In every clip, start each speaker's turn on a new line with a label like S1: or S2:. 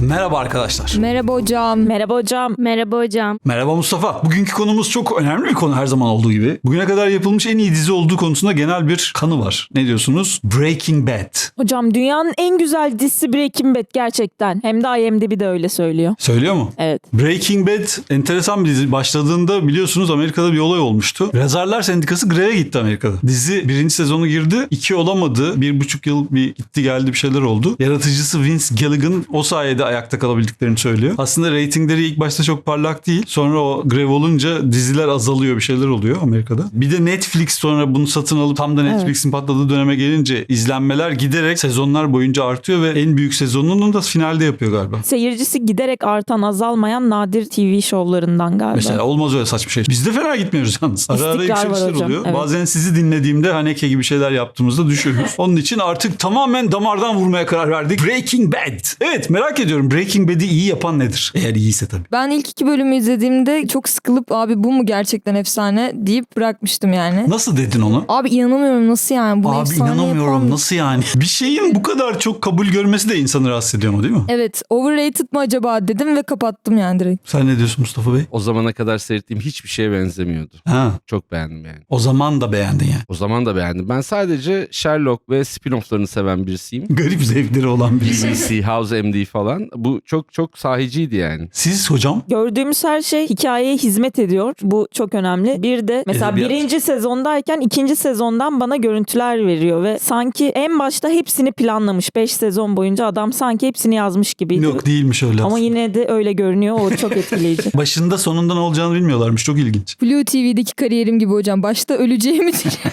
S1: Merhaba arkadaşlar.
S2: Merhaba hocam.
S3: Merhaba hocam. Merhaba hocam.
S1: Merhaba Mustafa. Bugünkü konumuz çok önemli bir konu her zaman olduğu gibi. Bugüne kadar yapılmış en iyi dizi olduğu konusunda genel bir kanı var. Ne diyorsunuz? Breaking Bad.
S3: Hocam dünyanın en güzel dizisi Breaking Bad gerçekten. Hem de IMDb de öyle söylüyor.
S1: Söylüyor mu?
S3: Evet.
S1: Breaking Bad enteresan bir dizi. Başladığında biliyorsunuz Amerika'da bir olay olmuştu. Yazarlar Sendikası greve gitti Amerika'da. Dizi birinci sezonu girdi. 2 olamadı. 1,5 yıl bir gitti geldi bir şeyler oldu. Yaratıcısı Vince Gilligan o sayede ayakta kalabildiklerini söylüyor. Aslında reytingleri ilk başta çok parlak değil. Sonra o grev olunca diziler azalıyor, bir şeyler oluyor Amerika'da. Bir de Netflix sonra bunu satın alıp tam da Netflix'in patladığı döneme gelince izlenmeler giderek sezonlar boyunca artıyor ve en büyük sezonunu da finalde yapıyor galiba.
S3: Seyircisi giderek artan, azalmayan nadir TV şovlarından galiba.
S1: Mesela olmaz öyle saçma şey. Biz de fena gitmiyoruz yalnız. Ara ara
S3: İstikrar var
S1: yükselişler
S3: hocam,
S1: oluyor.
S3: evet.
S1: Bazen sizi dinlediğimde Haneke gibi şeyler yaptığımızda düşüyoruz. Onun için artık tamamen damardan vurmaya karar verdik. Breaking Bad. Evet, merak ediyorum. Breaking Bad'i iyi yapan nedir? Eğer iyiyse tabii.
S2: Ben ilk 2 bölümü izlediğimde çok sıkılıp abi bu mu gerçekten efsane deyip bırakmıştım yani.
S1: Nasıl dedin onu?
S2: Abi inanamıyorum, nasıl yani? Bunu
S1: Abi
S2: efsane
S1: inanamıyorum.
S2: yapan...
S1: Nasıl yani? Bir şeyin bu kadar çok kabul görmesi de insanı rahatsız ediyor mu, değil mi?
S2: Evet, overrated mı acaba dedim ve kapattım yani direkt.
S1: Sen ne diyorsun Mustafa Bey?
S4: O zamana kadar seyrettiğim hiçbir şeye benzemiyordu.
S1: Ha,
S4: Çok beğendim yani.
S1: o zaman da beğendin yani.
S4: O zaman da beğendim. Ben sadece Sherlock ve spin-off'larını seven birisiyim.
S1: Garip zevkleri olan birisi.
S4: BBC, House MD falan. Bu çok çok sahiciydi yani.
S1: Siz hocam?
S3: Gördüğümüz her şey hikayeye hizmet ediyor. Bu çok önemli. Bir de mesela
S1: Edebiyat.
S3: birinci sezondayken ikinci sezondan bana görüntüler veriyor ve sanki en başta hepsini planlamış. 5 sezon boyunca adam sanki hepsini yazmış gibiydi.
S1: Yok, değilmiş öyle.
S3: Ama yine de öyle görünüyor. O çok etkileyici.
S1: Başında sonunda ne olacağını bilmiyorlarmış. Çok ilginç.
S2: Blue TV'deki kariyerim gibi hocam. Başta öleceğimi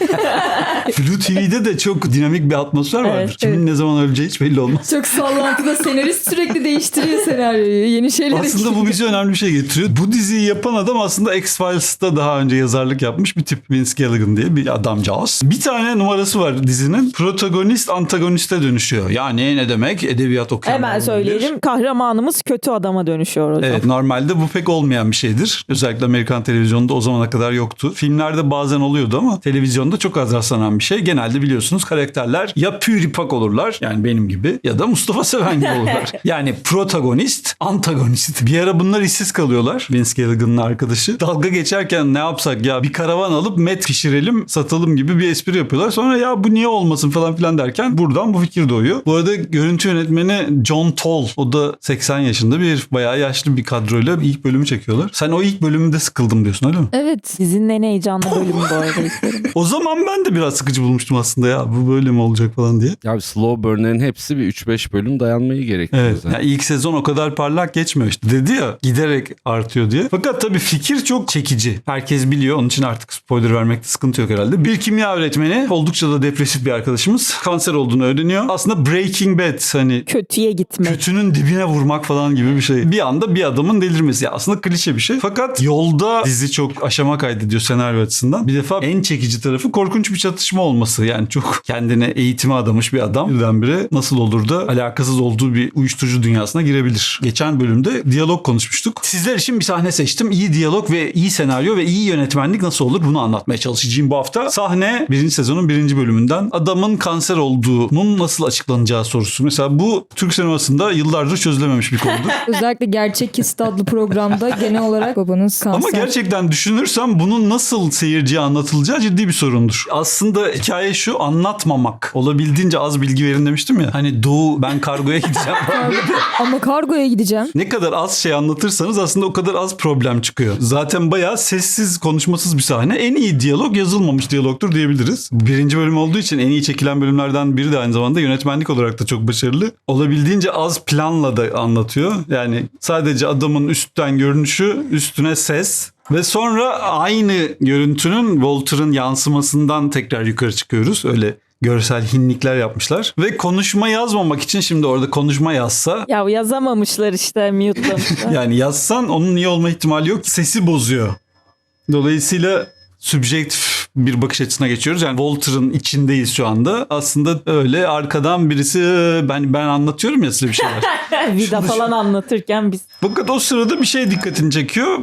S1: Blue TV'de de çok dinamik bir atmosfer vardır.
S3: Evet,
S1: Kimin ne zaman öleceği hiç belli olmaz.
S2: çok sallantıda senarist sürekli değiştiriyor senaryoyu. Yeni şeyler
S1: Aslında bu bize önemli bir şey getiriyor. Bu diziyi yapan adam aslında X-Files'ta daha önce yazarlık yapmış bir tip. Vince Gilligan diye bir adamcağız. Bir tane numarası var dizinin. Protagonist antagoniste dönüşüyor. Yani ne demek? Edebiyat okuyan.
S3: Hemen söyleyelim. Kahramanımız kötü adama dönüşüyor hocam.
S1: Evet, normalde bu pek olmayan bir şeydir. Özellikle Amerikan televizyonunda o zamana kadar yoktu. Filmlerde bazen oluyordu ama televizyonda çok az rastlanan bir şey. Genelde biliyorsunuz karakterler ya püripak olurlar, yani benim gibi, ya da Mustafa Seven gibi olurlar. Yani protagonist, antagonist. Bir ara bunlar işsiz kalıyorlar. Vince Gilligan'ın arkadaşı. Dalga geçerken ne yapsak ya, bir karavan alıp met pişirelim satalım gibi bir espri yapıyorlar. Sonra ya bu niye olmasın falan filan derken buradan bu fikir doğuyor. Bu arada görüntü yönetmeni John Toll. O da 80 yaşında bir herif. Bayağı yaşlı bir kadroyla ilk bölümü çekiyorlar. Sen o ilk bölümünde sıkıldım diyorsun, öyle mi?
S2: Evet.
S3: Dizinin en heyecanlı bölümü bu arada ilk bölüm.
S1: O zaman ben de biraz sıkıcı bulmuştum aslında, ya bu böyle mi olacak falan diye.
S4: Ya slow burn'lerin hepsi bir 3-5 bölüm dayanmayı gerektiriyor
S1: Evet.
S4: zaten.
S1: Yani ilk sezon o kadar parlak geçmiyor işte. Dedi ya giderek artıyor diye. Fakat tabii fikir çok çekici. Herkes biliyor. Onun için artık spoiler vermekte sıkıntı yok herhalde. Bir kimya öğretmeni, oldukça da depresif bir arkadaşımız, kanser olduğunu öğreniyor. Aslında Breaking Bad, hani
S3: Kötüye gitmek.
S1: kötünün dibine vurmak falan gibi bir şey. Bir anda bir adamın delirmesi. Ya aslında klişe bir şey. Fakat yolda dizi çok aşama kaydediyor senaryo açısından. Bir defa en çekici tarafı korkunç bir çatışma olması. Yani çok kendine eğitime adamış bir adam birdenbire nasıl olur da alakasız olduğu bir uyuşturucu dünyasına girebilir. Geçen bölümde diyalog konuşmuştuk. Sizler için bir sahne seçtim. İyi diyalog ve iyi senaryo ve iyi yönetmenlik nasıl olur, bunu anlatmaya çalışacağım bu hafta. Sahne birinci sezonun birinci bölümünden. Adamın kanser olduğunun nasıl açıklanacağı sorusu. Mesela bu Türk sinemasında yıllardır çözülememiş bir konudur.
S2: Özellikle Gerçek His adlı programda genel olarak babanız kanser.
S1: Ama gerçekten düşünürsem bunun nasıl seyirciye anlatılacağı ciddi bir sorundur. Aslında hikaye şu: anlatmamak. Olabildiğince az bilgi verin demiştim ya. Hani Doğu, ben kargoya gideceğim.
S2: Ama kargoya gideceğim.
S1: Ne kadar az şey anlatırsanız aslında o kadar az problem çıkıyor. Zaten bayağı sessiz, konuşmasız bir sahne. En iyi diyalog yazılmamış diyalogtur diyebiliriz. Birinci bölüm olduğu için en iyi çekilen bölümlerden biri de aynı zamanda yönetmenlik olarak da çok başarılı. Olabildiğince az planla da anlatıyor. Yani sadece adamın üstten görünüşü, üstüne ses ve sonra aynı görüntünün Walter'ın yansımasından tekrar yukarı çıkıyoruz. Öyle görsel hinlikler yapmışlar. Ve konuşma yazmamak için şimdi orada konuşma yazsa,
S3: Ya yazamamışlar işte, mute'lamışlar.
S1: yani yazsan onun iyi olma ihtimali yok. Sesi bozuyor. Dolayısıyla subjektif bir bakış açısına geçiyoruz. Yani Walter'ın içindeyiz şu anda. Aslında öyle arkadan birisi ben anlatıyorum ya size bir şeyler.
S3: Vida falan anlatırken biz
S1: Fakat o sırada bir şey dikkatini çekiyor.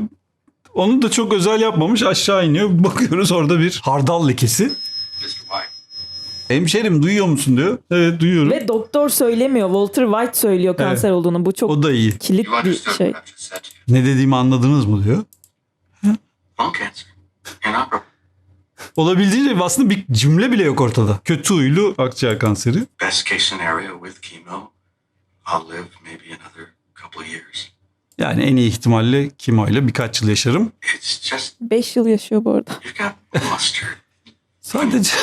S1: Onu da çok özel yapmamış, aşağı iniyor. Bakıyoruz orada bir hardal lekesi.
S5: Mr. White.
S1: Hemşerim duyuyor musun diyor. Evet duyuyorum.
S3: Ve doktor söylemiyor. Walter White söylüyor kanser olduğunu. Bu çok
S1: O da iyi.
S3: kilit
S5: You
S3: bir
S5: understood
S3: şey.
S5: what I just said to you.
S1: Ne dediğimi anladınız mı diyor.
S5: Lung cancer. Inoperable.
S1: Olabildiğince aslında bir cümle bile yok ortada. Kötü huylu akciğer kanseri.
S5: Best case scenario with chemo, I'll live maybe another couple of years.
S1: Yani en iyi ihtimalle kimoyla birkaç yıl yaşarım.
S5: It's just
S3: 5 yıl yaşıyor bu arada.
S5: you've got mustard.
S1: Sadece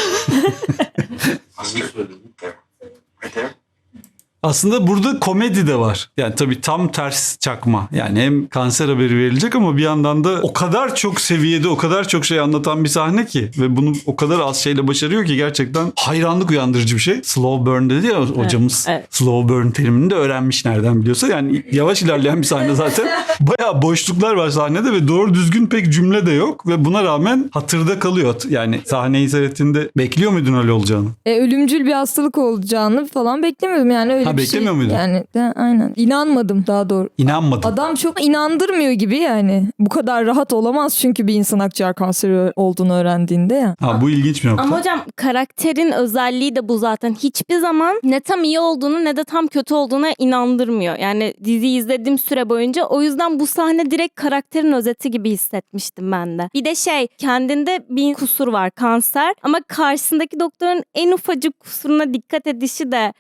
S5: Mustard. There. Right there.
S1: aslında burada komedi de var. Yani tabii tam ters çakma. Yani hem kanser haberi verilecek ama bir yandan da o kadar çok seviyede, o kadar çok şey anlatan bir sahne ki ve bunu o kadar az şeyle başarıyor ki gerçekten hayranlık uyandırıcı bir şey. Slow burn dedi ya hocamız.
S3: evet.
S1: Slow burn terimini de öğrenmiş nereden biliyorsa. Yani yavaş ilerleyen bir sahne zaten. Bayağı boşluklar var sahnede ve doğru düzgün pek cümle de yok ve buna rağmen hatırda kalıyor. Yani sahneyi seyrettiğinde bekliyor muydun öyle olacağını?
S2: Ölümcül bir hastalık olacağını falan beklemiyordum yani öyle
S1: Ha,
S2: bir
S1: beklemiyor
S2: şey.
S1: muydun?
S2: Yani aynen. İnanmadım daha doğru.
S1: İnanmadım.
S2: Adam çok inandırmıyor gibi yani. Bu kadar rahat olamaz çünkü bir insan akciğer kanseri olduğunu öğrendiğinde ya.
S1: Ha, bu ilginç bir nokta.
S6: Ama hocam karakterin özelliği de bu zaten. Hiçbir zaman ne tam iyi olduğunu ne de tam kötü olduğuna inandırmıyor. Yani diziyi izlediğim süre boyunca o yüzden bu sahne direkt karakterin özeti gibi hissetmiştim ben de. Bir de kendinde bir kusur var, kanser, ama karşısındaki doktorun en ufacık kusuruna dikkat edişi de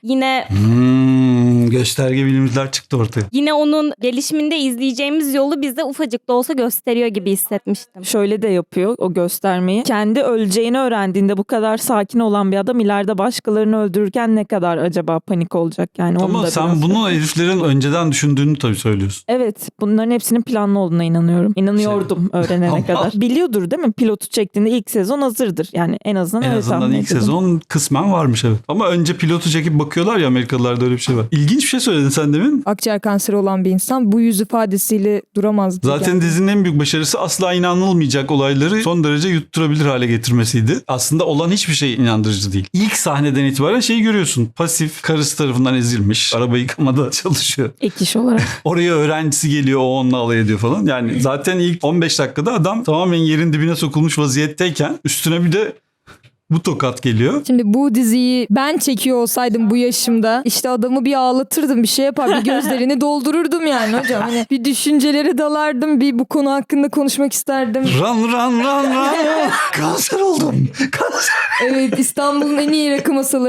S1: Gösterge bilimciler çıktı ortaya.
S6: yine onun gelişiminde izleyeceğimiz yolu bize ufacık da olsa gösteriyor gibi hissetmiştim.
S3: Şöyle de yapıyor o göstermeyi. Kendi öleceğini öğrendiğinde bu kadar sakin olan bir adam ileride başkalarını öldürürken ne kadar acaba panik olacak yani. Onu
S1: Ama
S3: da
S1: sen
S3: biraz-
S1: bunu heriflerin önceden düşündüğünü tabii söylüyorsun.
S3: Evet, bunların hepsinin planlı olduğuna inanıyorum. İnanıyordum öğrenene
S1: Ama-
S3: kadar. Biliyordur değil mi? Pilotu çektiğinde ilk sezon hazırdır. Yani en azından
S1: En
S3: öyle
S1: azından
S3: tahmin
S1: ilk
S3: ediyordum.
S1: sezon kısmen varmış evet. Ama önce pilotu çekip bakıyorlar ya, Amerikalılarda öyle bir şey var. İlginç bir şey söyledin sen demin.
S2: Akciğer kanseri olan bir insan bu yüz ifadesiyle duramazdı.
S1: Zaten
S2: yani.
S1: dizinin en büyük başarısı asla inanılmayacak olayları son derece yutturabilir hale getirmesiydi. Aslında olan hiçbir şey inandırıcı değil. İlk sahneden itibaren şeyi görüyorsun. Pasif, karısı tarafından ezilmiş. Araba yıkamada çalışıyor.
S3: Ek iş olarak.
S1: Oraya öğrencisi geliyor, o onunla alay ediyor falan. Yani zaten ilk 15 dakikada adam tamamen yerin dibine sokulmuş vaziyetteyken üstüne bir de bu tokat geliyor.
S2: Şimdi bu diziyi ben çekiyor olsaydım bu yaşımda işte adamı bir ağlatırdım, bir şey yapar, bir gözlerini doldururdum yani hocam. Hani bir düşüncelere dalardım, bir bu konu hakkında konuşmak isterdim.
S1: Run. Kanser oldum. Kanser.
S2: Evet, İstanbul'un en iyi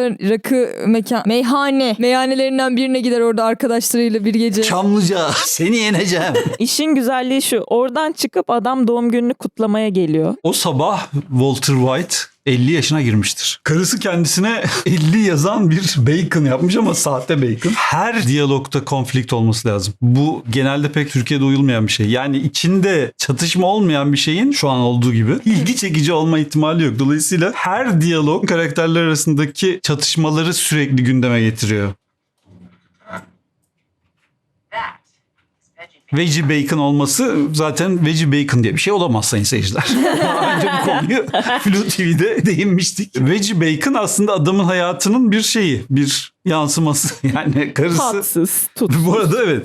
S2: meyhanelerinden birine gider, orada arkadaşlarıyla bir gece.
S1: Çamlıca seni yeneceğim.
S3: İşin güzelliği şu. Oradan çıkıp adam doğum gününü kutlamaya geliyor.
S1: O sabah Walter White 50 yaşına girmiştir. Karısı kendisine 50 yazan bir bacon yapmış ama sahte bacon. Her diyalogta konflikt olması lazım. Bu genelde pek Türkiye'de uyulmayan bir şey. Yani içinde çatışma olmayan bir şeyin şu an olduğu gibi ilgi çekici olma ihtimali yok. Dolayısıyla her diyalog karakterler arasındaki çatışmaları sürekli gündeme getiriyor. Veggie bacon olması zaten veggie bacon diye bir şey olamaz sayın seyirciler. Daha önce bu konuyu Flu TV'de değinmiştik. Veggie bacon aslında adamın hayatının bir şeyi, bir yansıması. Yani karısı...
S3: Tatsız, tutsuz.
S1: Bu arada evet.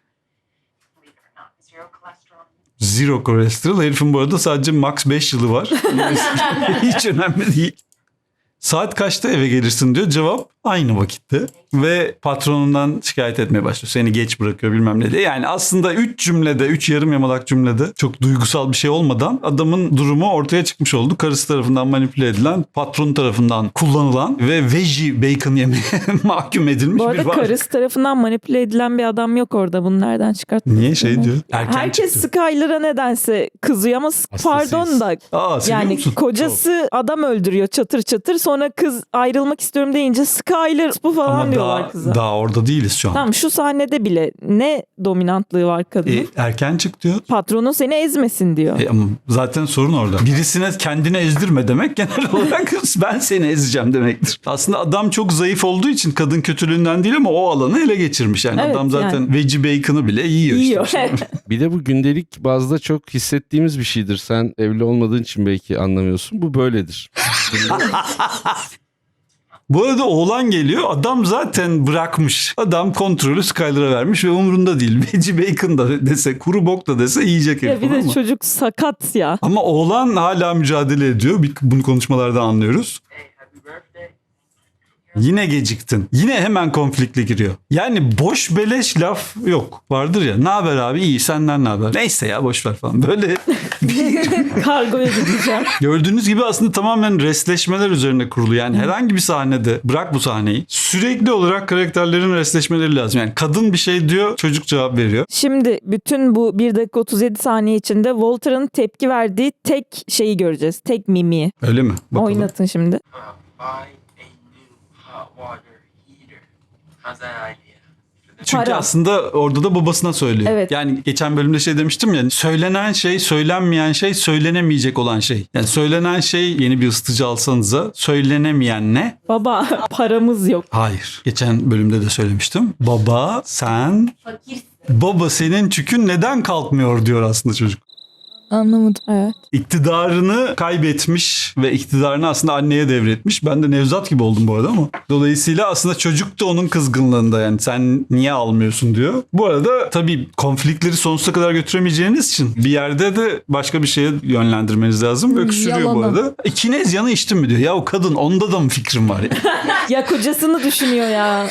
S1: Zero kolesterol. Herifin bu arada sadece max 5 yılı var. Hiç önemli değil. Saat kaçta eve gelirsin diyor. Cevap aynı vakitte. Ve patronundan şikayet etmeye başlıyor. Seni geç bırakıyor bilmem ne diye. Yani aslında 3 yarım yamalak cümlede çok duygusal bir şey olmadan adamın durumu ortaya çıkmış oldu. Karısı tarafından manipüle edilen, patron tarafından kullanılan ve veggie bacon yemeye mahkum edilmiş
S3: Bu
S1: bir
S3: arada
S1: varlık.
S3: karısı tarafından manipüle edilen bir adam yok orada. Bunu nereden çıkarttın?
S1: Niye şey diyor? Erken
S3: Herkes
S1: çıktı.
S3: Skyler'a nedense kızıyor ama pardon da
S1: Seviyor
S3: yani
S1: musun?
S3: kocası adam öldürüyor çatır çatır, sonra kız ayrılmak istiyorum deyince Skyler bu falan
S1: Ama
S3: diyorlar kıza.
S1: daha orada değiliz şu an.
S3: Tamam, şu sahnede bile ne dominantlığı var kadının.
S1: Erken çık diyor.
S3: Patronun seni ezmesin diyor.
S1: Ama zaten sorun orada. Birisine kendini ezdirme demek genel olarak ben seni ezeceğim demektir. Aslında adam çok zayıf olduğu için kadın kötülüğünden değil ama o alanı ele geçirmiş. Yani
S3: Evet,
S1: adam zaten
S3: yani.
S1: veggie bacon'ı bile yiyor.
S3: Yiyor.
S1: işte.
S4: Bir de bu gündelik bazda çok hissettiğimiz bir şeydir. Sen evli olmadığın için belki anlamıyorsun. Bu böyledir.
S1: Bu arada oğlan geliyor. Adam zaten bırakmış. Adam kontrolü Skyler'a vermiş ve umurunda değil. Veggie bacon da dese, kuru bok da dese yiyecek
S3: Ya
S1: herif.
S3: bir de
S1: ama.
S3: çocuk sakat ya.
S1: Ama oğlan hala mücadele ediyor. Bunu konuşmalardan anlıyoruz.
S5: Hey, happy birthday.
S1: Yine geciktin. Yine hemen konflikle giriyor. Yani boş beleş laf yok. Vardır ya. Ne haber abi? İyi, senden ne haber? Neyse ya, boş ver falan. Böyle
S3: Kargoya gideceğim.
S1: gördüğünüz gibi aslında tamamen restleşmeler üzerine kurulu. Yani herhangi bir sahnede, bırak bu sahneyi, sürekli olarak karakterlerin restleşmeleri lazım. Yani kadın bir şey diyor, çocuk cevap veriyor.
S3: Şimdi bütün bu 1 dakika 37 saniye içinde Walter'ın tepki verdiği tek şeyi göreceğiz. Tek mimiği.
S1: Öyle mi? Bakalım.
S3: Oynatın şimdi.
S5: Buy a new hot water heater. How's that idea?
S1: Çünkü
S3: Para.
S1: aslında orada da babasına söylüyor.
S3: Evet.
S1: Yani geçen bölümde şey demiştim ya, söylenen şey, söylenmeyen şey, söylenemeyecek olan şey. Yani söylenen şey, yeni bir ısıtıcı alsanıza, söylenemeyen ne?
S3: Baba paramız yok.
S1: Hayır. Geçen bölümde de söylemiştim. Baba sen... Baba senin çükün neden kalkmıyor diyor aslında çocuk.
S2: Anlamadım.
S3: Evet.
S1: İktidarını kaybetmiş ve iktidarını aslında anneye devretmiş. Ben de Nevzat gibi oldum bu arada ama. Dolayısıyla aslında çocuk da onun kızgınlığında, yani sen niye almıyorsun diyor. Bu arada tabii konfliktleri sonsuza kadar götüremeyeceğiniz için bir yerde de başka bir şeye yönlendirmeniz lazım. Öksürüyor bu
S2: Yalana.
S1: arada. Kinezyanı içtin mi diyor. Ya o kadın, onda da mı fikrim var ya?
S3: Ya kocasını düşünüyor ya.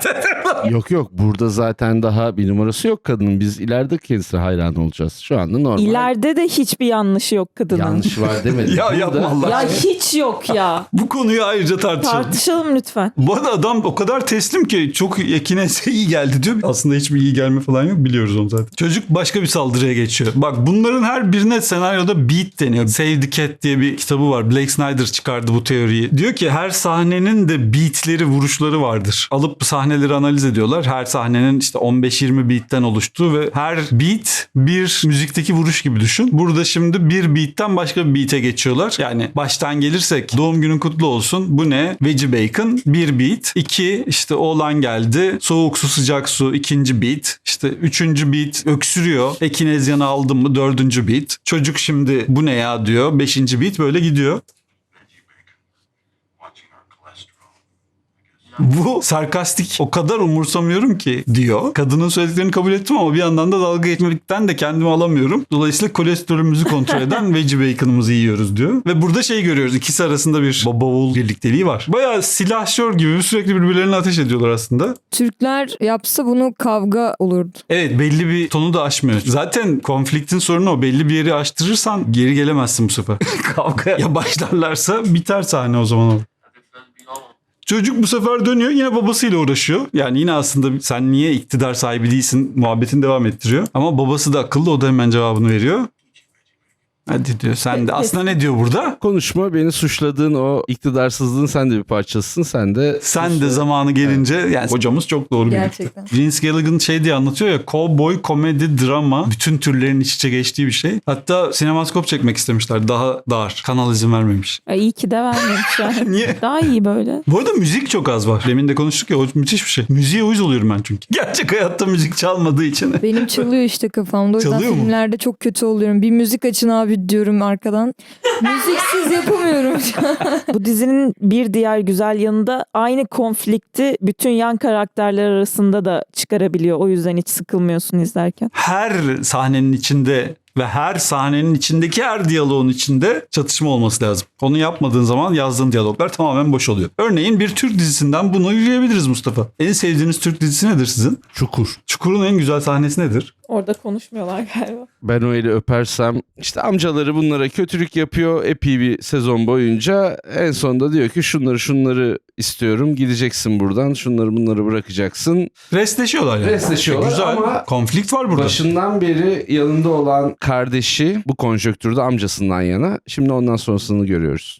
S4: Yok burada zaten daha bir numarası yok kadının. Biz ileride kendisine hayran olacağız. Şu anda normal.
S3: İleride de hiçbir yanlışı yok kadının.
S4: Yanlış var demedim.
S1: Ya yapma Allah
S3: Ya
S1: aşkına.
S3: hiç yok ya.
S1: Bu konuyu ayrıca tartışalım.
S3: Tartışalım lütfen.
S1: Bu arada adam o kadar teslim ki çok kineze iyi geldi diyor. Aslında hiçbir iyi gelme falan yok, biliyoruz onu zaten. Çocuk başka bir saldırıya geçiyor. Bak bunların her birine senaryoda beat deniyor. Save the Cat diye bir kitabı var. Blake Snyder çıkardı bu teoriyi. Diyor ki her sahnenin de beatleri, vuruşları vardır. Alıp sahneleri analiz ediyorlar. Her sahnenin işte 15-20 beatten oluştuğu ve her beat bir müzikteki vuruş gibi düşün. Burada şimdi bir beatten başka bir beat'e geçiyorlar. Yani baştan gelirsek doğum günün kutlu olsun. Bu ne? Veggie Bacon. Bir beat. 2 işte oğlan geldi. Soğuk su sıcak su. 2. beat. İşte 3. beat öksürüyor. Ekinezyanı aldın mı? 4. beat. Çocuk şimdi bu ne ya diyor. 5. beat böyle gidiyor.
S5: Veggie bacon. Watching our cholesterol.
S1: Bu sarkastik, o kadar umursamıyorum ki diyor. Kadının söylediklerini kabul ettim ama bir yandan da dalga geçmekten de kendimi alamıyorum. Dolayısıyla kolesterolümüzü kontrol eden veggie bacon'ımızı yiyoruz diyor. Ve burada şey görüyoruz. İkisi arasında bir baba oğul birlikteliği var. Bayağı silahşör gibi sürekli birbirlerine ateş ediyorlar aslında.
S2: Türkler yapsa bunu kavga olurdu.
S1: Evet, belli bir tonu da aşmıyor. Zaten konfliktin sorunu o. Belli bir yeri aştırırsan geri gelemezsin bu sefer. Kavgaya başlarlarsa biter sahne o zaman o. Çocuk bu sefer dönüyor, yine babasıyla uğraşıyor. Yani yine aslında sen niye iktidar sahibi değilsin muhabbetini devam ettiriyor. Ama babası da akıllı, o da hemen cevabını veriyor. Hadi diyor sen de. Aslında ne diyor burada?
S4: Konuşma, beni suçladığın o iktidarsızlığın sen de bir parçasısın. Sen de
S1: Zamanı gelince yani hocamız çok doğru biliyor.
S2: Gerçekten.
S1: Vince Gilligan şey diye anlatıyor ya, cowboy, komedi, drama, bütün türlerin iç içe geçtiği bir şey. Hatta sinemaskop çekmek istemişler, daha dar. Kanal izin vermemiş.
S3: İyi ki de vermemişler.
S1: Niye?
S3: Daha iyi böyle.
S1: Bu arada müzik çok az var. Demin de konuştuk ya, o müthiş bir şey. Müziğe uyuz oluyorum ben çünkü. Gerçek hayatta müzik çalmadığı için.
S2: Benim çalıyor işte kafamda. O yüzden
S1: Çalıyor mu?
S2: filmlerde çok kötü oluyorum. Bir müzik açın abi diyorum arkadan. Müziksiz yapamıyorum.
S3: Bu dizinin bir diğer güzel yanı da aynı konflikti bütün yan karakterler arasında da çıkarabiliyor. O yüzden hiç sıkılmıyorsun izlerken.
S1: Her sahnenin içinde ve her sahnenin içindeki her diyaloğun içinde çatışma olması lazım. Onu yapmadığın zaman yazdığın diyaloglar tamamen boş oluyor. Örneğin bir Türk dizisinden bunu yürüyebiliriz Mustafa. En sevdiğiniz Türk dizisi nedir sizin?
S4: Çukur.
S1: Çukur'un en güzel sahnesi nedir?
S3: Orada konuşmuyorlar galiba.
S4: Ben o eli öpersem işte amcaları bunlara kötülük yapıyor epey bir sezon boyunca. En sonunda diyor ki şunları istiyorum, gideceksin buradan, şunları bunları bırakacaksın.
S1: Restleşiyorlar yani.
S4: Restleşiyorlar
S1: Güzel.
S4: ama
S1: Konflikt var burada.
S4: başından beri yanında olan kardeşi bu konjonktürde amcasından yana. Şimdi ondan sonrasını görüyoruz.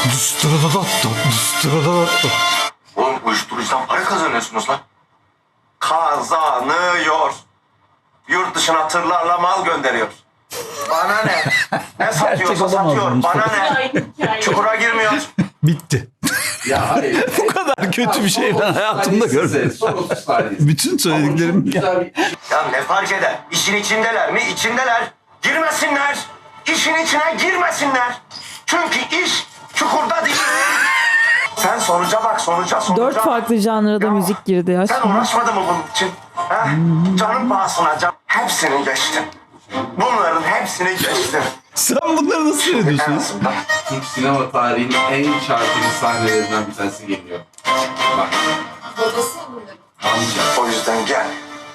S5: Oğlum uyuşturucudan para kazanıyorsunuz lan. Kazanıyor. Yurt dışına tırlarla mal gönderiyor. Bana ne? Ne satıyorsa satıyor. Bana ne? Çukura girmiyor.
S1: Bitti.
S4: Ya hayır.
S1: Bu kadar kötü bir şey ben hayatımda görmedim. Bütün söylediklerim...
S5: Ya ne fark eder? İşin içindeler mi? İçindeler. Girmesinler. İşin içine girmesinler. Çünkü iş çukurda değil. Sen sonuca bak, sonuca.
S3: 4 farklı janrada
S5: Ya,
S3: müzik girdi ya.
S5: Sen uğraşmadın mı bunun için? Ha? Canın pahasına can. Hepsini geçtim. Bunların hepsini geçtim.
S1: Sen bunları nasıl
S5: En
S1: seyrediyorsun?
S5: azından
S4: Türk sinema tarihinin en çarpıcı sahnelerinden bir tanesi geliyor. Bak. Amca.
S5: o yüzden gel.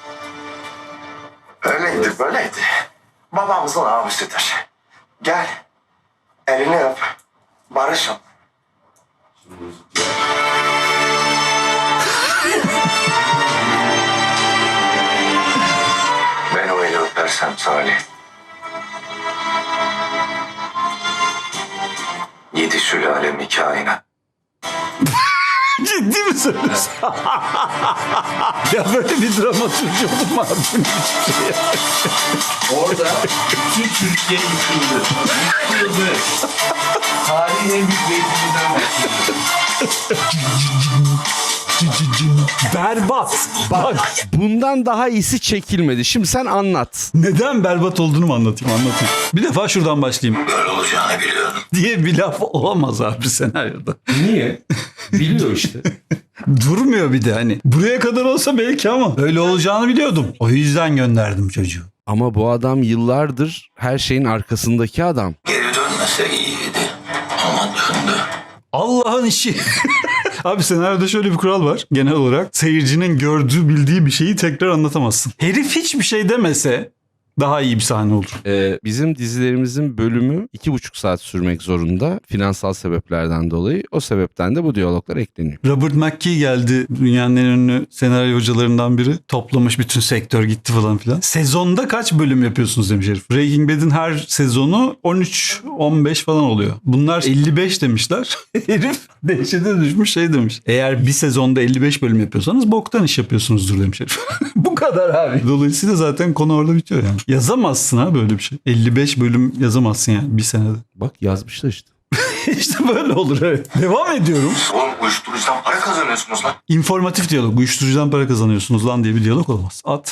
S5: Öyleydi böyleydi. Babamızın abisidir. Gel. Elini öp. Barışın. Ben o eli öpersem Salih. 7 sülalemi kainat.
S1: Ciddi mi söylüyorsun? Ya böyle bir dramaturji olur mu abi?
S4: Orada bütün Türkiye yıkıldı. Yıkıldı. Tarihin en büyük reytinginden bahsediyorum.
S1: Berbat. Bak.
S4: Bundan daha iyisi çekilmedi. Şimdi sen anlat.
S1: Neden berbat olduğunu mu anlatayım? Bir defa şuradan başlayayım.
S5: Böyle olacağını biliyordum.
S1: Diye bir laf olamaz abi senaryoda.
S4: Niye? Biliyor işte.
S1: Durmuyor bir de hani. Buraya kadar olsa belki ama öyle olacağını biliyordum. O yüzden gönderdim çocuğu.
S4: Ama bu adam yıllardır her şeyin arkasındaki adam.
S5: Geri dönmese iyiydi. Ama döndü.
S1: Allah'ın işi. Abi senaryoda şöyle bir kural var. Genel olarak seyircinin gördüğü bildiği bir şeyi tekrar anlatamazsın. Herif hiçbir şey demese daha iyi bir sahne olur.
S4: Bizim dizilerimizin bölümü 2,5 saat sürmek zorunda. Finansal sebeplerden dolayı. O sebepten de bu diyaloglar ekleniyor.
S1: Robert McKee geldi. Dünyanın en ünlü senaryo hocalarından biri. Toplamış bütün sektör gitti falan filan. Sezonda kaç bölüm yapıyorsunuz demiş herif. Breaking Bad'in her sezonu 13-15 falan oluyor. Bunlar 55 demişler. Herif dehşete düşmüş şey demiş. Eğer bir sezonda 55 bölüm yapıyorsanız boktan iş yapıyorsunuzdur demiş herif. Bu kadar abi. Dolayısıyla zaten konu orada bitiyor yani. Yazamazsın ha böyle bir şey. 55 bölüm yazamazsın yani bir senede.
S4: Bak yazmışlar işte.
S1: İşte böyle olur evet. Devam ediyorum.
S5: Oğlum uyuşturucudan para kazanıyorsunuz lan.
S1: İnformatif diyalog. Uyuşturucudan para kazanıyorsunuz lan diye bir diyalog olmaz. At.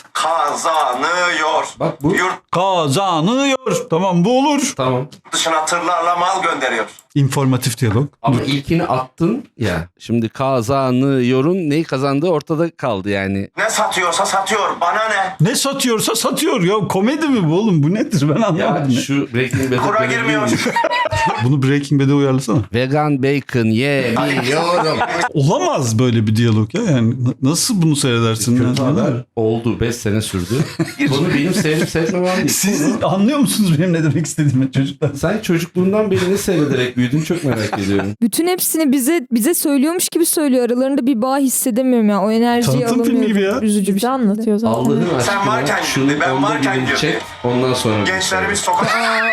S5: Kazanıyor.
S4: Bak bu.
S5: Yurt
S1: Kazanıyor. Tamam bu olur.
S4: Tamam.
S5: dışına tırlarla mal gönderiyor.
S1: İnformatif diyalog.
S4: Ama ilkini attın ya. Şimdi kazanıyorun neyi kazandığı ortada kaldı yani.
S5: Ne satıyorsa satıyor. Bana ne?
S1: Ne satıyorsa satıyor. Ya komedi mi bu oğlum? Bu nedir? Ben anlamadım.
S4: Ya şu Breaking Bad'e
S5: Kura
S4: dönebilir
S5: girmiyor.
S4: miyiz?
S1: Bunu Breaking Bad'e uyarlasana.
S4: Vegan bacon yemiyorum.
S1: Olamaz böyle bir diyalog ya. Yani nasıl bunu seyredersin?
S4: Kötü
S1: Yani?
S4: haber oldu. 5 sene sürdü. Bunu benim sevip sevmemem değil.
S1: Siz anlıyor musunuz benim ne demek istediğimi çocuklar?
S4: Sen çocukluğundan beri ne seyrederek büyüdün çok merak ediyorum.
S2: Bütün hepsini bize söylüyormuş gibi söylüyor. Aralarında bir bağ hissedemiyorum ya. O enerjiyi
S1: Tanıtım filmi
S2: alamıyorum.
S1: gibi ya.
S2: Üzücü bir
S3: Bize
S2: şey.
S3: anlatıyor zaten.
S4: Allah'ın aşkına
S5: varken
S4: şunu
S5: gitti, ben
S4: onda
S5: varken
S4: birini
S5: girdi.
S4: çek ondan sonra.
S5: Gençlerimiz sokak...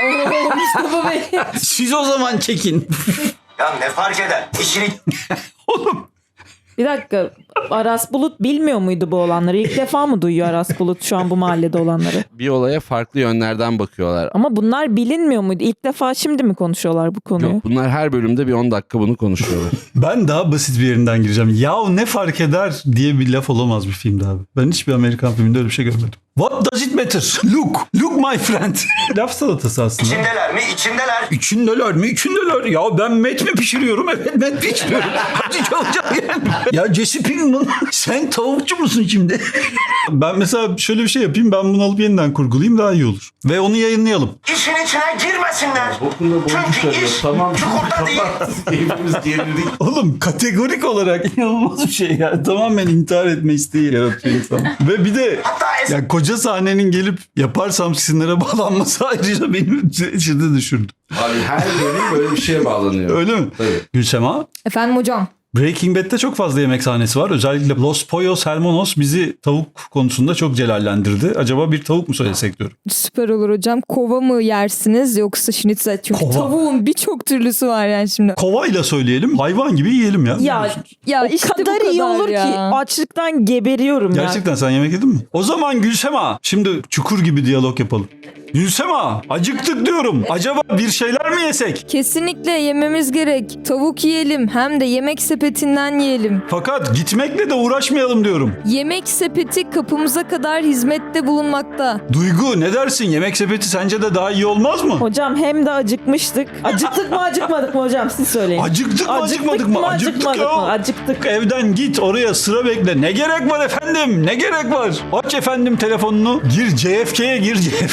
S2: Mustafa Bey.
S1: Siz o zaman çekin.
S5: Ya ne fark eder? İşini
S1: Oğlum.
S3: Bir dakika. Aras Bulut bilmiyor muydu bu olanları? İlk defa mı duyuyor Aras Bulut şu an bu mahallede olanları?
S4: Bir olaya farklı yönlerden bakıyorlar.
S3: Ama bunlar bilinmiyor muydu? İlk defa şimdi mi konuşuyorlar bu konuyu?
S4: Yok bunlar her bölümde bir 10 dakika bunu konuşuyorlar.
S1: Ben daha basit bir yerinden gireceğim. Yahu ne fark eder diye bir laf olamaz bir filmde abi. Ben hiçbir Amerikan filminde öyle bir şey görmedim. What does it matter? Look my friend. Laf salatası aslında.
S5: içindeler mi? İçindeler.
S1: İçindeler mi? İçindeler. Ya ben met mi pişiriyorum? Evet met pişiriyorum. Hadi çalacak yani. Ya Jesse Pinkman sen tavukçu musun şimdi? Ben mesela şöyle bir şey yapayım. Ben bunu alıp yeniden kurgulayayım daha iyi olur. Ve onu yayınlayalım.
S5: İşin içine girmesinler.
S4: Bokunda boncuk
S5: Çünkü
S4: arıyor.
S5: iş
S4: Tamam.
S5: çukurda değil.
S4: Hepimiz gerildik.
S1: Oğlum kategorik olarak inanılmaz bir şey ya. Tamamen intihar etme isteği yaratıyor insan. Ve bir de
S5: Hatta
S1: ya koca sahnenin gelip yaparsam sizinlere bağlanması ayrıca beni içinde düşürdü.
S4: Abi her bölüm böyle bir şeye bağlanıyor.
S1: Öyle mi?
S4: Tabii.
S1: Gülsema?
S2: Efendim hocam.
S1: Breaking Bad'de çok fazla yemek sahnesi var. Özellikle Los Pollos Hermanos bizi tavuk konusunda çok celallendirdi. Acaba bir tavuk mu söylesek diyorum.
S2: Süper olur hocam. Kova mı yersiniz yoksa schnitzel? Çünkü
S1: Kova.
S2: tavuğun birçok türlüsü var yani şimdi.
S1: Kovayla söyleyelim. Hayvan gibi yiyelim ya.
S3: Ya
S2: işte
S3: o kadar
S2: bu
S3: iyi
S2: kadar
S3: olur
S2: ya.
S3: ki açlıktan geberiyorum ya.
S1: Gerçekten sen yemek yedin mi? O zaman Gülsema şimdi çukur gibi diyalog yapalım. Gülsema acıktık diyorum. Acaba bir şeyler mi yesek?
S2: Kesinlikle yememiz gerek. Tavuk yiyelim hem de yemek sepetinden yiyelim.
S1: Fakat gitmekle de uğraşmayalım diyorum.
S2: Yemek sepeti kapımıza kadar hizmette bulunmakta.
S1: Duygu ne dersin? Yemek sepeti sence de daha iyi olmaz mı?
S3: Hocam hem de acıkmıştık. Acıktık mı acıkmadık mı hocam siz söyleyin.
S1: Acıktık mı acıkmadık mı?
S3: acıkmadık
S1: ya.
S3: mı? Acıktık.
S1: Evden git oraya sıra bekle. Ne gerek var efendim? Ne gerek var? Aç efendim telefonunu. Gir CFK'ye gir CFK'ye.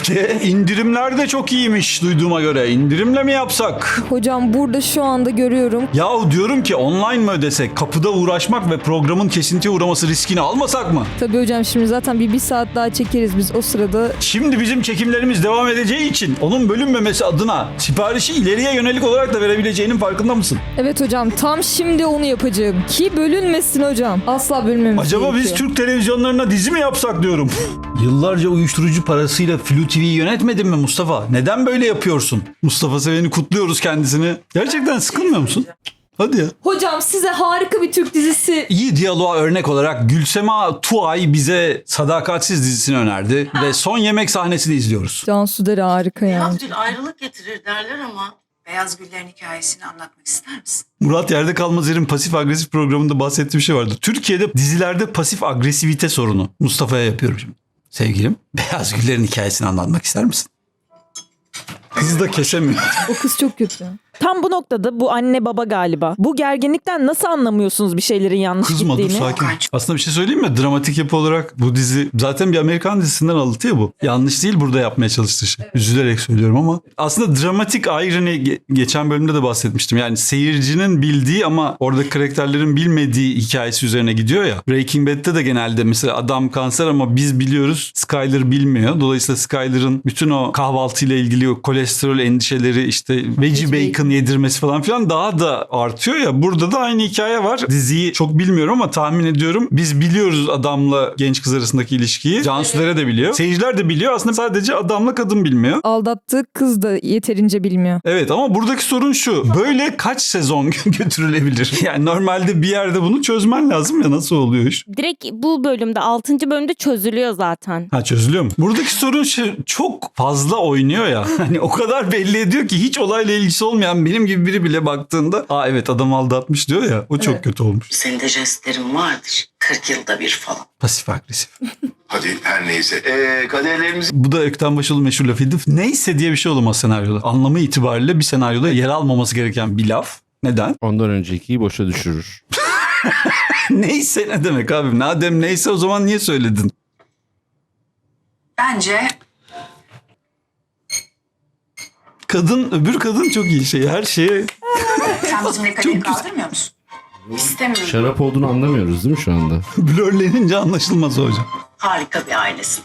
S1: indirimler de çok iyiymiş duyduğuma göre. İndirimle mi yapsak?
S2: Hocam burada şu anda görüyorum.
S1: Yahu diyorum ki online mı ödesek? Kapıda uğraşmak ve programın kesintiye uğraması riskini almasak mı?
S2: Tabii hocam şimdi zaten bir saat daha çekeriz biz o sırada.
S1: Şimdi bizim çekimlerimiz devam edeceği için onun bölünmemesi adına siparişi ileriye yönelik olarak da verebileceğinin farkında mısın?
S2: Evet hocam tam şimdi onu yapacağım. Ki bölünmesin hocam. Asla bölünmemesi
S1: Acaba biz
S2: gerekiyor.
S1: Türk televizyonlarına dizi mi yapsak diyorum. Yıllarca uyuşturucu parasıyla Flu TV'yi yönetmedin mi Mustafa? Neden böyle yapıyorsun? Mustafa Seven'i kutluyoruz kendisini. Gerçekten sıkılmıyor musun? Hadi ya.
S2: Hocam size harika bir Türk dizisi.
S1: İyi diyaloğa örnek olarak Gülsema Tuğay bize Sadakatsiz dizisini önerdi ve son yemek sahnesini izliyoruz.
S2: Cansu Dere harika yani.
S7: Beyaz gül ayrılık getirir derler ama beyaz güllerin hikayesini anlatmak ister misin?
S1: Murat Yerde Kalmazer'in pasif agresif programında bahsettiği bir şey vardı. Türkiye'de dizilerde pasif agresivite sorunu. Mustafa'ya yapıyorum şimdi. Sevgilim, Beyaz Güller'in hikayesini anlatmak ister misin? Kız da kesemiyor.
S2: O kız çok kötü.
S3: Tam bu noktada bu anne baba galiba. Bu gerginlikten nasıl anlamıyorsunuz bir şeylerin yanlış
S1: Kızma dur
S3: gittiğini?
S1: sakin. Aslında bir şey söyleyeyim mi? Dramatik yapı olarak bu dizi zaten bir Amerikan dizisinden alıntı ya bu. Yanlış değil burada yapmaya çalıştığı şey. Üzülerek söylüyorum ama aslında dramatik irony geçen bölümde de bahsetmiştim. Yani seyircinin bildiği ama orada karakterlerin bilmediği hikayesi üzerine gidiyor ya. Breaking Bad'de de genelde mesela adam kanser ama biz biliyoruz, Skyler bilmiyor. Dolayısıyla Skyler'ın bütün o kahvaltıyla ilgili o kolesterol endişeleri, işte veggie bacon yedirmesi falan filan daha da artıyor ya. Burada da aynı hikaye var. Diziyi çok bilmiyorum ama tahmin ediyorum. Biz biliyoruz adamla genç kız arasındaki ilişkiyi. Cansu Dere de biliyor. Seyirciler de biliyor. Aslında sadece adamla kadın bilmiyor.
S2: Aldattığı kız da yeterince bilmiyor.
S1: Evet ama buradaki sorun şu. Böyle kaç sezon götürülebilir? Yani normalde bir yerde bunu çözmen lazım ya, nasıl oluyor iş?
S6: Direkt bu bölümde 6. bölümde çözülüyor zaten.
S1: Ha, çözülüyor mu? Buradaki sorun şu, çok fazla oynuyor ya. Hani o kadar belli ediyor ki hiç olayla ilgisi olmayan benim gibi biri bile baktığında aa evet adam aldatmış diyor ya. O çok kötü olmuş.
S7: Senin de jestlerin vardır. 40 yılda bir falan.
S1: Pasif agresif.
S5: Hadi her neyse. Kaderlerimiz
S1: Bu da Ökten Başoğlu meşhur lafıydı. Neyse diye bir şey olamaz senaryoda. Anlamı itibariyle bir senaryoda yer almaması gereken bir laf. Neden?
S4: Ondan öncekiyi boşa düşürür.
S1: Neyse ne demek abi? Madem neyse o zaman niye söyledin?
S7: Bence
S1: Öbür kadın çok iyi şey. Her şeye
S7: sen bizimle kaderi kaldırmıyor musun? İstemiyorum.
S4: Şarap olduğunu anlamıyoruz değil mi şu anda?
S1: blörlenince anlaşılmaz hocam.
S7: Harika bir ailesin.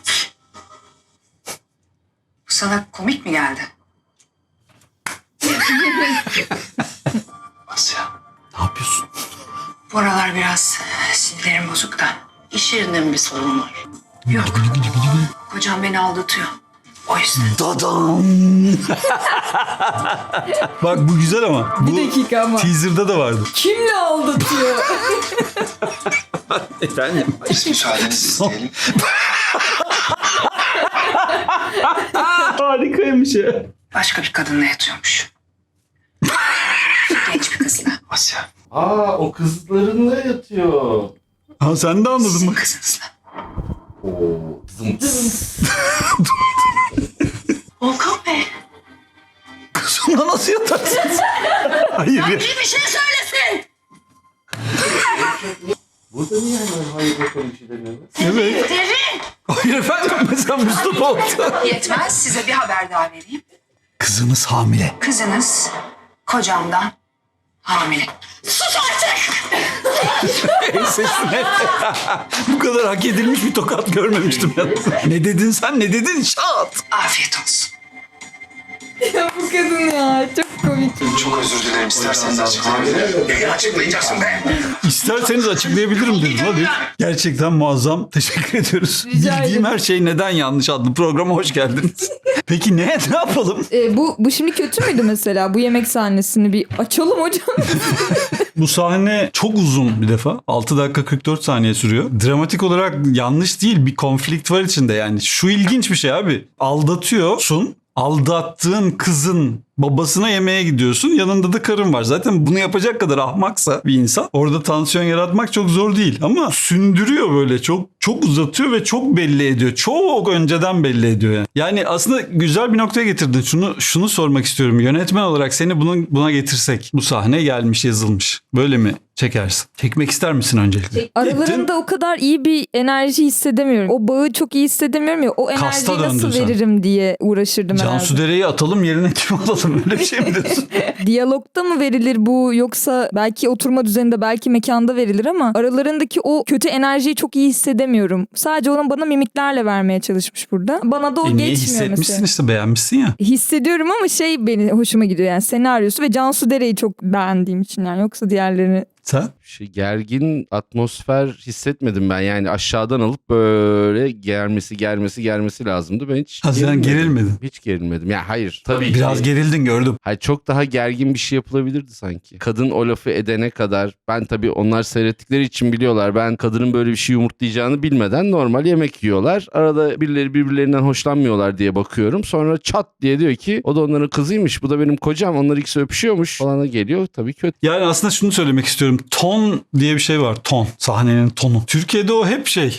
S7: Bu sana komik mi geldi?
S5: Asya.
S1: Ne yapıyorsun?
S7: Bu aralar biraz sinirlerim bozuk da. İş yerinde mi bir sorun var? Yok. Kocam beni aldatıyor. O yüzden.
S1: Dadam. Bak bu güzel ama. Bu
S2: Bir dakika ama.
S1: teaser'da da vardı.
S2: Kimle aldatıyor?
S1: Efendim?
S5: Biz müsaadenizi isteyelim.
S1: Harikaymış ya.
S7: Başka bir kadınla yatıyormuş. Genç bir kızla.
S5: Asya.
S4: Aa o kızlarınla yatıyor.
S1: Ha sen de anladın
S7: Sizin
S1: mı?
S7: kızınızla.
S4: Oo.
S7: Volkan Bey.
S1: Kızımla nasıl yatarsın? Hayır ya.
S7: Bir şey söylesin.
S4: Burada niye hemen hayır bakalım bir şey demiyorlar?
S1: Evet.
S7: Derin.
S1: Hayır efendim mesela Mustafa oldu.
S7: Yetmez, size bir haber daha vereyim.
S1: Kızınız hamile.
S7: Kızınız kocamdan hamile. Sus artık!
S1: Sesine. Bu kadar hak edilmiş bir tokat görmemiştim ya. Ne dedin sen? Ne dedin? Şat.
S7: Afiyet olsun.
S2: Ya bu kadın ya çok komik.
S5: Çok özür dilerim. İsterseniz açıklayabilirim. Neyi açıklayacaksın be?
S1: İsterseniz açıklayabilirim dedim. Hadi. Gerçekten muazzam. Teşekkür ediyoruz.
S2: Rica
S1: Bildiğim
S2: ederim.
S1: her şey neden yanlış adlı programa hoş geldiniz. Peki ne yapalım?
S2: Bu şimdi kötü müydü mesela? Bu yemek sahnesini bir açalım hocam.
S1: Bu sahne çok uzun bir defa. 6 dakika 44 saniye sürüyor. Dramatik olarak yanlış değil. Bir konflikt var içinde yani. Şu ilginç bir şey abi. Aldatıyorsun. Aldattığın kızın babasına yemeğe gidiyorsun. Yanında da karın var. Zaten bunu yapacak kadar ahmaksa bir insan orada tansiyon yaratmak çok zor değil. Ama sündürüyor böyle. Çok çok uzatıyor ve çok belli ediyor. Çok önceden belli ediyor yani. Yani aslında güzel bir noktaya getirdin. Şunu sormak istiyorum. Yönetmen olarak seni buna getirsek. Bu sahne gelmiş, yazılmış. Böyle mi çekersin? Çekmek ister misin öncelikle?
S2: Aralarında o kadar iyi bir enerji hissedemiyorum. O bağı çok iyi hissedemiyorum ya. O
S1: Kasta
S2: enerjiyi nasıl
S1: döndün sen.
S2: veririm diye uğraşırdım herhalde.
S1: Cansu Dere'yi atalım yerine kim alalım? Öyle bir şey mi diyorsun?
S2: Diyalogda mı verilir bu, yoksa belki oturma düzeninde, belki mekanda verilir ama aralarındaki o kötü enerjiyi çok iyi hissedemiyorum. Sadece onun bana mimiklerle vermeye çalışmış burada. Bana da o
S1: Niye
S2: geçmiyor
S1: hissetmişsin
S2: mesela.
S1: işte, beğenmişsin ya.
S2: Hissediyorum ama beni hoşuma gidiyor yani, senaryosu ve Cansu Dere'yi çok beğendiğim için yani, yoksa diğerlerini.
S1: Sen?
S4: Gergin atmosfer hissetmedim ben. Yani aşağıdan alıp böyle germesi lazımdı. Ben hiç
S1: Sen gerilmedin.
S4: Hiç gerilmedim. Ya hayır. Tabii
S1: Biraz
S4: ki.
S1: gerildin, gördüm.
S4: Hayır, çok daha gergin bir şey yapılabilirdi sanki. Kadın o lafı edene kadar, ben tabii onlar seyrettikleri için biliyorlar. Ben kadının böyle bir şey yumurtlayacağını bilmeden normal yemek yiyorlar. Arada birileri birbirlerinden hoşlanmıyorlar diye bakıyorum. Sonra çat diye diyor ki o da onların kızıymış. Bu da benim kocam. Onlar ikisi öpüşüyormuş falana geliyor. Tabii kötü.
S1: Yani aslında şunu söylemek istiyorum. Ton diye bir şey var. Ton. Sahnenin tonu. Türkiye'de o hep şey.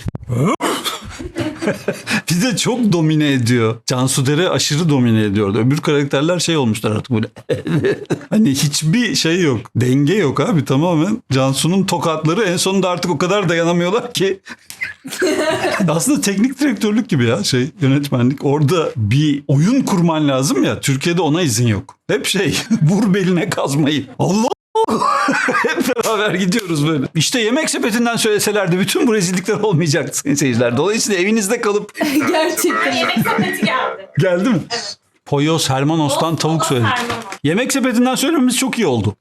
S1: Bize çok domine ediyor. Cansu Dere aşırı domine ediyordu. Öbür karakterler şey olmuşlar artık böyle. Hani hiçbir şey yok. Denge yok abi, tamamen. Cansu'nun tokatları en sonunda artık o kadar dayanamıyorlar ki. Aslında teknik direktörlük gibi ya, yönetmenlik. Orada bir oyun kurman lazım ya. Türkiye'de ona izin yok. Hep vur beline kazmayı. Allah! Hep beraber gidiyoruz böyle. İşte Yemek Sepeti'nden söyleselerdi bütün bu rezillikler olmayacaktı sayın seyirciler. Dolayısıyla evinizde kalıp...
S2: Gerçekten.
S6: Yemek sepeti geldi.
S1: Geldi mi? Poyos Hermanos'tan tavuk söyledik. Yemek Sepeti'nden söylememiz çok iyi oldu.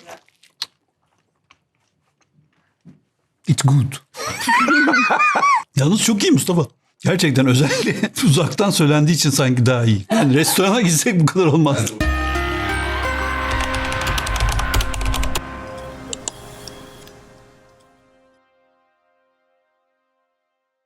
S1: It's good. Yalnız çok iyi Mustafa. Gerçekten özellikle uzaktan söylendiği için sanki daha iyi. Yani restorana gitsek bu kadar olmazdı.